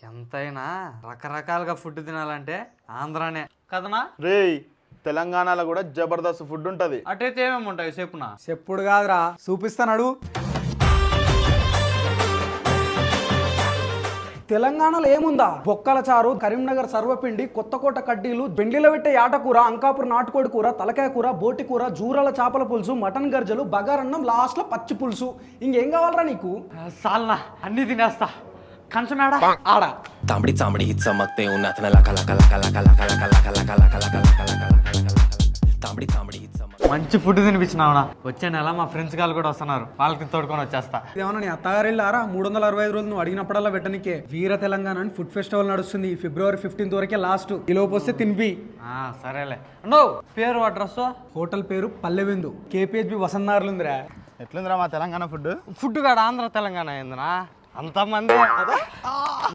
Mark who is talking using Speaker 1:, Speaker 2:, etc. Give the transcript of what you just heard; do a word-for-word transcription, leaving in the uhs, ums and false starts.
Speaker 1: ఎంతైనా రకరకాలుగా ఫుడ్ తినాలంటే ఆంధ్రానే కదనా
Speaker 2: రేయ్ తెలంగాణలో కూడా జబర్దస్త్ ఫుడ్ ఉంటది.
Speaker 1: అటైతే ఏమేమి ఉంటాయి చెప్పునా?
Speaker 3: చెప్పుడు కాదురా చూపిస్తానడు. తెలంగాణలో ఏముందా? బొక్కల చారు, కరీంనగర్ సర్వపిండి, కొత్తకోట కడ్డీలు, బెండిలో పెట్టే యాటకూర, అంకాపూర్ నాటుకోడి కూర, తలకాయ కూర, బోటి కూర, జూరాల చేపల పులుసు, మటన్ గర్జలు, బగారన్నం, లాస్ట్ లో పచ్చి పులుసు. ఇంకేం కావాలరా నీకు?
Speaker 1: సాల్నా అన్ని తినేస్తా. కంచమేడా ఆడ
Speaker 4: तांबड़ी चांबड़ी चमकते उन्हात न लका लका लका लका लका लका लका लका लका लका लका लका लका तांबड़ी चांबड़ी चमक
Speaker 1: మంచి ఫుడ్ తినిపించినావునా. వచ్చే నెల మా ఫ్రెండ్స్ గారు కూడా వస్తున్నారు, వాళ్ళకి తోడుకొని వచ్చేస్తా.
Speaker 3: ఏమన్నా నీ అత్తగారు వెళ్ళారా? మూడు వందల అరవై ఐదు రోజులు నువ్వు అడిగినప్పుడల్లా పెట్టనికే. వీర తెలంగాణ అని ఫుడ్ ఫెస్టివల్ నడుస్తుంది. ఫిబ్రవరి ఫిఫ్టీన్త్ వరకే లాస్ట్. ఈ లోపు వస్తే తినిపి.
Speaker 1: సరేలే. నో పేరు అడ్రస్?
Speaker 3: హోటల్ పేరు పల్లెవిందు, కేపీహెచ్బి వసంతారులు ఉందిరా.
Speaker 2: ఎట్లుందిరా మా తెలంగాణ ఫుడ్?
Speaker 1: ఫుడ్ కాడ ఆంధ్ర తెలంగాణ ఏందినా అంతమంది.